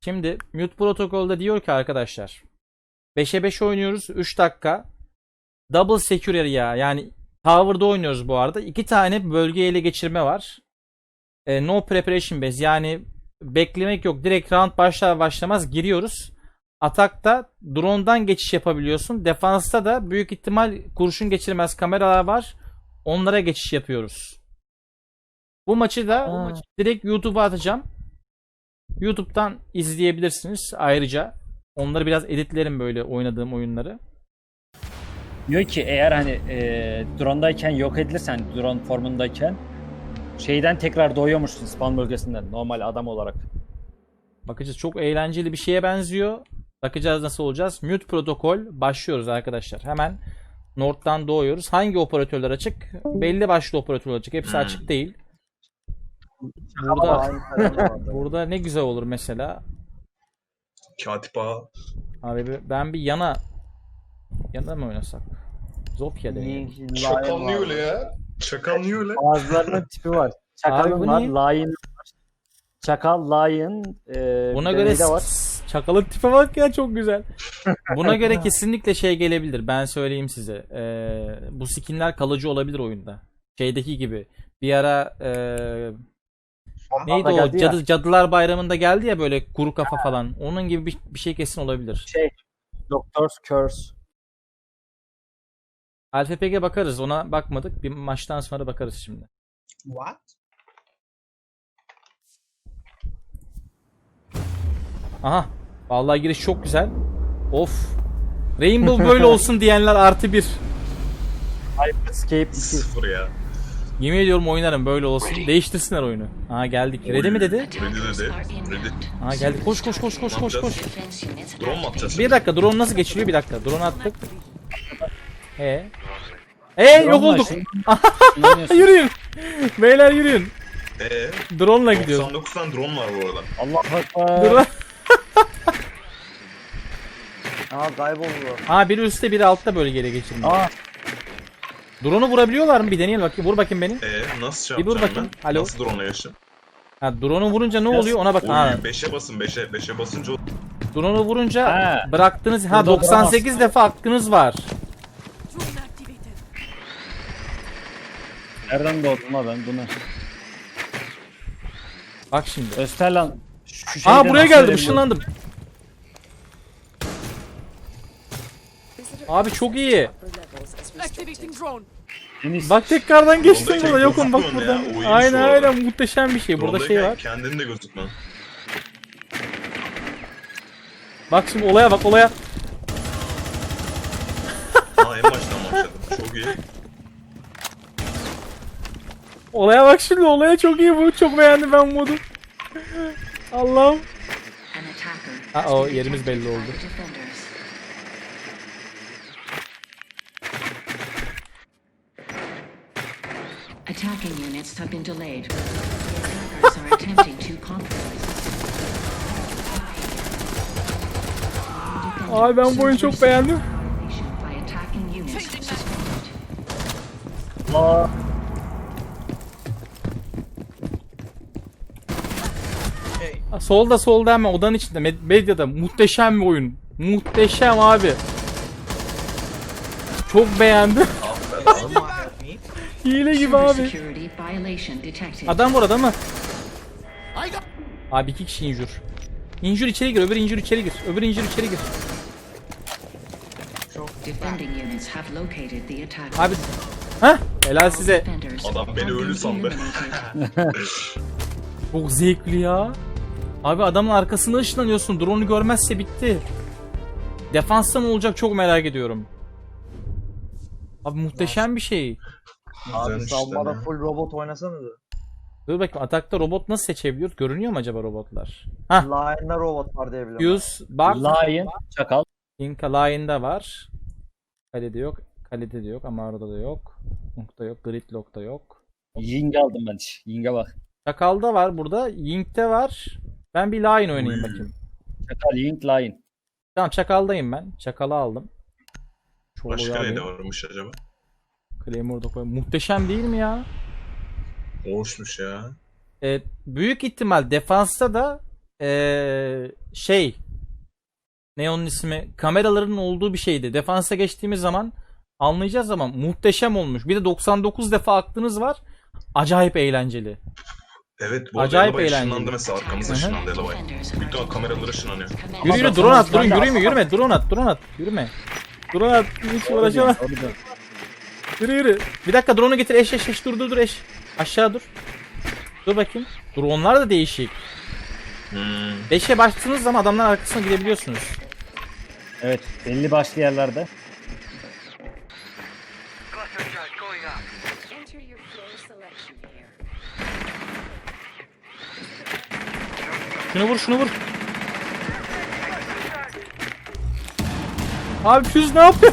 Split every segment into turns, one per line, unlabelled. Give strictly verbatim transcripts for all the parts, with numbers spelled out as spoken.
Şimdi Mute protokolda diyor ki arkadaşlar beşe beş oynuyoruz. üç dakika. Double secure area, yani tower'da oynuyoruz bu arada. iki tane bölge ele geçirme var. E, no preparation base, yani beklemek yok. Direkt round başlar başlamaz giriyoruz. Atakta drone'dan geçiş yapabiliyorsun. Defansta da büyük ihtimal kurşun geçirmez kameralar var. Onlara geçiş yapıyoruz. Bu maçı da
Aa.
direkt YouTube'a atacağım. YouTube'dan izleyebilirsiniz ayrıca. Onları biraz editlerim, böyle oynadığım oyunları.
Diyor ki eğer hani e, drone'dayken yok edilirsen, drone formundayken şeyden tekrar doğuyormuşsun spawn bölgesinden normal adam olarak.
Bakacağız, çok eğlenceli bir şeye benziyor. Bakacağız nasıl olacağız. Mute protokol başlıyoruz arkadaşlar. Hemen North'tan doğuyoruz. Hangi operatörler açık? Belli başlı operatörler açık. Hepsi açık değil. Burada burada ne güzel olur mesela.
Katip ağa.
Abi ben bir yana yana mı oynasak? Zofia deneyelim.
Çakal niye öyle ya? Çakal niye öyle?
Bazılarının tipi var.
Abi
Çakalın
bu
var,
ne?
lion var. Çakal, lion, e,
Buna
bir de
göre
neyde var?
s- çakalın tipe bak ya, çok güzel. Buna göre kesinlikle şey gelebilir. Ben söyleyeyim size. Ee, bu skinler kalıcı olabilir oyunda. Şeydeki gibi. Bir ara ee, neydi
da
o?
geldi ya.
Cadı, Cadılar Bayramı'nda geldi ya böyle kuru kafa falan. Onun gibi bir, bir şey kesin olabilir.
Şey, Doctor's Curse.
Alfa P G bakarız. Ona bakmadık. Bir maçtan sonra bakarız şimdi.
What?
Aha. Vallahi giriş çok güzel. Of. Rainbow böyle olsun diyenler artı bir.
Escape iki.
Sıfır ya.
Yemin ediyorum oynarım böyle olsun. Değiştirsinler oyunu. Aha geldik. Ready mi dedi?
Ready dedi. Ready.
Aha geldik. Koş koş koş koş koş koş.
Drone mu atacağız?
Bir dakika, drone nasıl geçiliyor? Bir dakika. Drone attık. Ee. Ee yok olduk. Yürüyün. Beyler yürüyün.
Eee?
Drone'la gidiyoruz.
doksan dokuz tane drone var bu arada.
Allah akbar.
Drone.
Aa kayboldu.
Ha, biri üstte biri altta bölgeye geçirmiş.
Aa,
Drone'u vurabiliyorlar mı? Bir deneyelim bakayım. Vur bakayım beni.
Eee nasıl şey
Bir dur
yapacağım
bakayım.
ben?
Alo.
Nasıl drone'la geçtim?
Ha, drone'u vurunca ne oluyor ona bakın. Ha,
Oy beşe basın beşe. beşe basınca o-
drone'u vurunca
Ha.
bıraktınız. Ha,
Burada
doksan sekiz defa hakkınız var.
nereden doğdum ha ben bunu?
Bak şimdi.
Österlan. Şu
Aa,
şeyden
buraya geldim.
bahsedelim.
Işınlandım. Abi çok iyi.
Activating drone.
Deniz,
Bak tekrardan geçtim
Drone'da
burada. Yokum bak
gözükmüyor
buradan.
ya, o iyiymiş
Aynen
bu arada.
aynen, muhteşem bir şey. Burada şey
drone'dayken
var.
kendin de gözükme.
Bak şimdi olaya bak, olaya.
Ha en baştan başladım. Çok iyi.
Olaya bak şimdi, olaya çok iyi bu. Çok beğendim ben modu. Allah'ım. Ha, o yerimiz belli oldu.
Attacking units have been delayed. Attackers are attempting to compromise.
Abi ben bu oyunu çok beğendim.
By attacking units suspended.
Aa,
Ha, solda solda hemen odanın içinde. Med- Medyada muhteşem bir oyun. Muhteşem abi. Çok beğendim. Hile gibi abi.
Security violation detected.
Adam var, adam mı? Abi iki kişi injur. İnjur içeri gir, öbür injur içeri gir. Öbür injur içeri gir.
Defending units have located the attack.
Abi. Hah, helal size.
Defenders
Adam beni
have
ölü
been
sandı.
eliminated.
Çok zevkli ya. Abi adamın arkasına ışınlanıyorsun. Drone'u görmezse bitti. Defansta ne olacak çok merak ediyorum. Abi muhteşem bir şey.
Abi
Güzelmiş
savunmada
işte.
full robot oynasanıza.
Dur bakayım, atakta robot nasıl seçebiliyor? Görünüyor mu acaba robotlar? Hah.
Line'da robot var diye biliyorum.
Use bak.
lion, çakal.
Inka Line'da var. Kalede yok. Kalede de yok. Amaro'da da yok. Nokta yok. Gridlock'ta yok.
Ying aldım ben. Ying'e bak.
Çakal'da var burada. Yink'te var. Ben bir Line oynayayım bakayım.
Çakal, Ying, lion.
Tamam, Çakal'dayım ben. Çakal'ı aldım. Çoluğu
Başka ne
alayım.
de varmış acaba?
Claymore'da koy. Muhteşem değil mi ya?
Hoşmuş ya.
Ee, büyük ihtimal defansta da ee, şey ne onun ismi? Kameraların olduğu bir şeydi. Defansa geçtiğimiz zaman anlayacağız ama muhteşem olmuş. Bir de doksan dokuz defa aklınız var. Acayip eğlenceli.
Evet bu
Acayip
arada Elabay
eğlenceli.
ışınlandı mesela arkamız
Hı hı.
ışınlandı Elabay. Bütün kameralar ışınlanıyor.
Yürü yürü drone at, drone yürüme yürüme drone at, drone at. Yürüme. Drone at. Hiç uğraşamam. Yürü yürü. Bir dakika drone'u getir. Eş eş eş dur dur dur eş. Aşağı dur. Dur bakayım. Drone'lar da değişik.
Hmm.
beşe bastığınız zaman adamların arkasına gidebiliyorsunuz.
Evet, belli başlı yerlerde.
Enter your floor selection here.
Şunu vur şunu vur. Abi Füz ne yapıyor?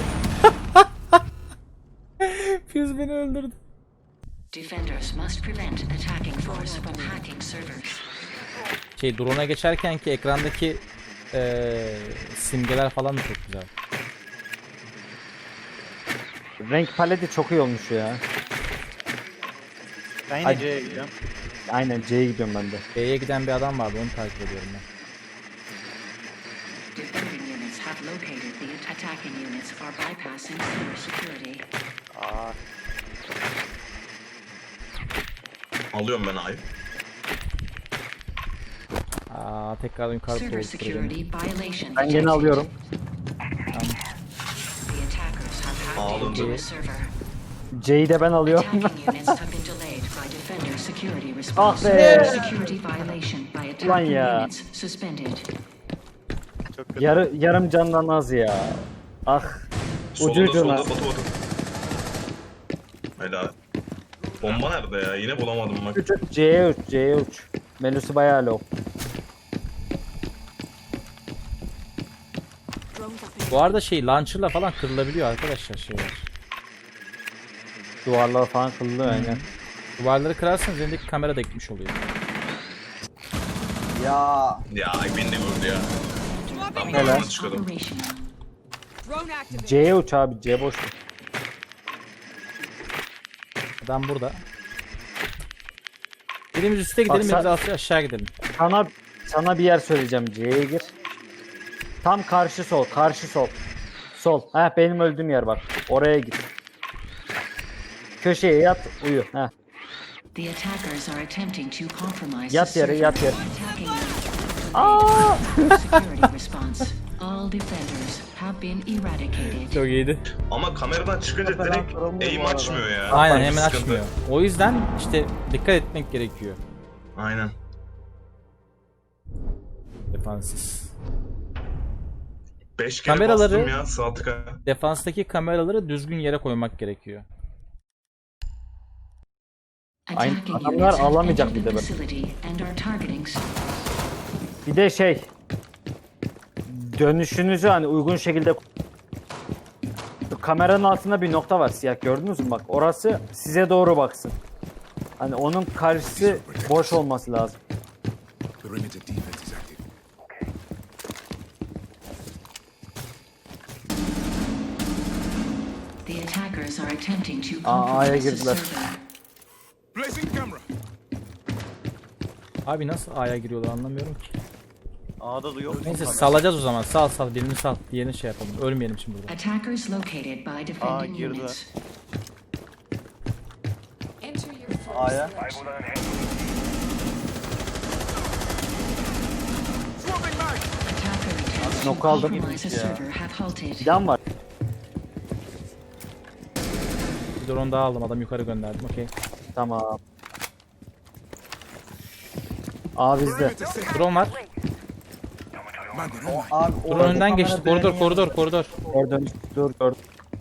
Füz beni öldürdü.
Defenders must prevent attacking force from hacking servers.
Şey drone'a geçerken ki ekrandaki eee, simgeler falan da çok güzel.
Renk paleti çok iyi olmuş ya.
Ben
Hadi.
yine C'ye gidiyorum.
Aynen C'ye gidiyorum ben de.
B'ye giden bir adam vardı onu takip ediyorum ben.
Defending units have located the attacking units are bypassing server security.
Aa,
Alıyorum ben A'yı.
Aa tekrar yukarı
Server
doğru
security violation
Ben gene
detected.
alıyorum.
The attackers have hacked
Aldım.
into the server.
C'yi de ben alıyorum.
Attacking units have been delayed by defender security
Ah
response.
be!
Security violation by
Ulan
attacking
ya.
units suspended.
çok kötü.
Yarı, yarım candan az ya. Ah.
Solda
Ucuydu
solda
lan.
Batu Batu. Helal. Bomba nerede ya? Yine bulamadım bak.
Uç, uç, C'ye uç, C'ye uç. Melusu bayağı low.
Drones up in
Bu arada şey launcher'la falan kırılabiliyor arkadaşlar şeyler.
Duvarlar falan kıllı aynen.
Duvarları kırarsanız elindeki kamera da gitmiş oluyor.
Ya
Ya beni de gördü ya. Ben
Helal.
buradan çıkıyordum.
Operational.
drone activated.
C'ye uç abi, C boş. ver.
Adam burada. Birimiz üste gidelim,
Bak
birimiz
sen-
aşağı gidelim.
Sana, sana bir yer söyleyeceğim, C'ye gir. Tam karşı sol, karşı sol. Sol. Heh benim öldüğüm yer bak. Oraya git. Köşeye yat, uyu. Heh.
The attackers are attempting to compromise
Yat
the
yere,
server.
yat yere.
Attacking units. Security response. All defenders have been eradicated.
Çok iyiydi.
Ama kameradan çıkınca
Falan
direkt
kırılmıyor bu
aim
arada.
açmıyor ya.
Aynen
Bir
hemen
sıkıntı.
açmıyor. O yüzden işte dikkat etmek gerekiyor.
Aynen.
Defanssız.
beş kere
Kameraları-
bastım ya sağ tıka.
Defanstaki kameraları düzgün yere koymak gerekiyor.
Aynen,
Attacking
adamlar
units have
alamayacak
entered
bir
the
de
facility and are targeting
Bir de şey. Dönüşünüzü hani uygun şekilde kameranın altında bir nokta var siyah, gördünüz mü bak, orası size doğru baksın. Hani onun karşısı boş olması lazım.
Perimeter defense is active.
The attackers are attempting to
Aa, A'ya
compromise the
girdiler.
server.
Placing camera.
Abi nasıl A'ya giriyorlar anlamıyorum ki.
A'da da yok.
Neyse salacağız o zaman. Sal sal birini sal. Diğerini şey yapalım. Ölmeyelim şimdi burada.
Attackers located by defending
girdi.
units.
Enter your floor
A'ya.
selection.
Attacker attempts to
Nok aldım.
compromise a server have halted.
Plan var.
Bir drone daha aldım. Adam yukarı gönderdim. Okey.
Tamam. A bizde.
Perimeter set.
Drone var.
Man, they're on my.
Abi
Drone
oradaki
önden
kamera
geçti. Koridor
direğinin
koridor
yanında.
koridor.
Gördüm. Dur gördüm.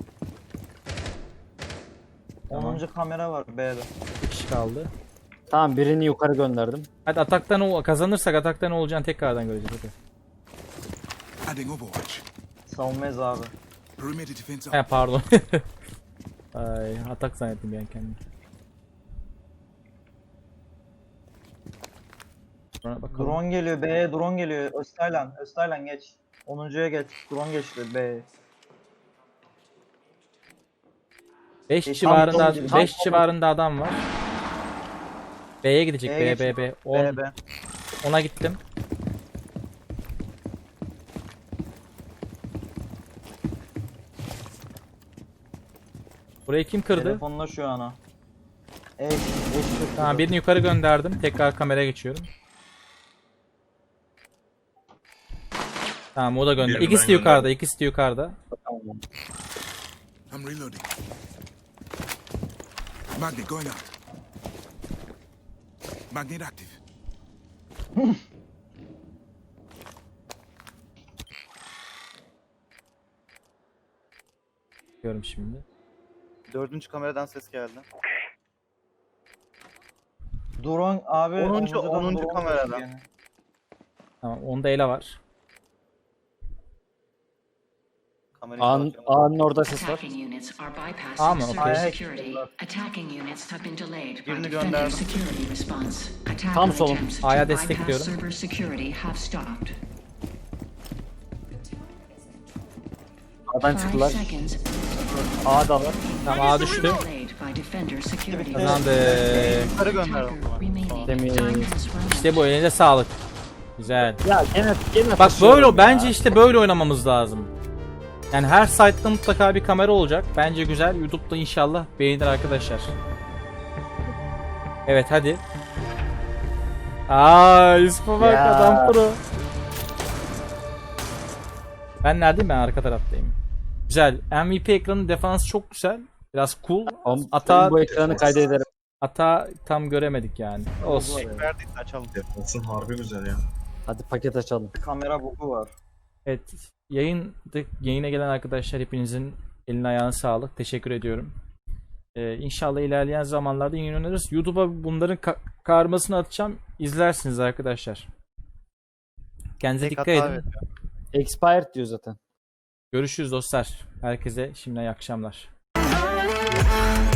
onuncu kamera var B'de.
Bir kişi kaldı.
Tamam, birini yukarı gönderdim.
Hadi atakta ne ol- kazanırsak atakta ne olacağını tekrardan göreceğiz. Hadi.
Adding Overwatch.
Savunmayız abi.
Perimeter defense
He
up.
pardon. Ay atak zannettim ben kendimi. Sonra bakalım.
Drone geliyor B'ye, drone geliyor. Öztaylan, Öztaylan geç. onuncuya geç. Drone geçti B'ye.
beş
Tam
civarında
sol- tam
beş
sol-
civarında adam var. B'ye gidecek.
B'ye
B
geçti.
B B. on
B, B.
ona gittim. Burayı kim kırdı?
Telefonla şu an o. Eş, eş kırdı.
Tamam, birini yukarı gönderdim. Tekrar kameraya geçiyorum. Tamam, o da gönder.
Birini
İkisi de
ben
yukarıda,
gönderdim.
ikisi de yukarıda.
I'm reloading. Magnet going out. Magnet active.
Diyorum şimdi.
Dördüncü kameradan ses geldi.
Drone abi.
Onuncu-
omuzdan
onuncu
drone
kameradan.
koştu gene.
Tamam, onda ele var.
Kamerayı
Ağın,
kapatacağım.
ağanın orada ses var.
Attacking units are bypassing
Aa mı?
server
Okey.
security. Attacking units have been delayed by
Birini
defender
gönderdim.
security response.
Tam
Attacker
solum.
attempts to
A'ya
bypass
destekliyorum.
server security have stopped.
Ağdan
Five
çıktılar.
seconds.
Ağda var.
Tamam, A düştü.
Delayed by defender security.
Kazandı.
Yukarı gönderdim.
Attacker remaining.
Temiz.
Time has run out.
İşte bu, elinize sağlık. Güzel.
Ya gene gene
Bak
taşıyorum
böyle
ya.
bence işte böyle oynamamız lazım. Yani her site'da mutlaka bir kamera olacak. Bence güzel. YouTube'da inşallah beğenir arkadaşlar. Evet, hadi. Aa, Yusuf'a bak,
Ya.
adam pro. Ben neredeyim? Ben arka taraftayım. Güzel. M V P ekranın defansı çok güzel. Biraz cool.
Oğlum,
Ata,
bu ekranı kaydederim.
ata tam göremedik yani. Olsun.
Verdiyse açalım.
Defansın harbi güzel ya.
Hadi paket açalım.
Kamera bugu var.
Evet. Yayın, yayına gelen arkadaşlar hepinizin eline ayağına sağlık. Teşekkür ediyorum. Ee, inşallah ilerleyen zamanlarda yayın oynarız. YouTube'a bunların ka- karmasını atacağım. İzlersiniz arkadaşlar. Kendinize
Tek
dikkat
hata
edin.
veriyor.
Expired diyor zaten.
Görüşürüz dostlar. Herkese şimdiden iyi akşamlar.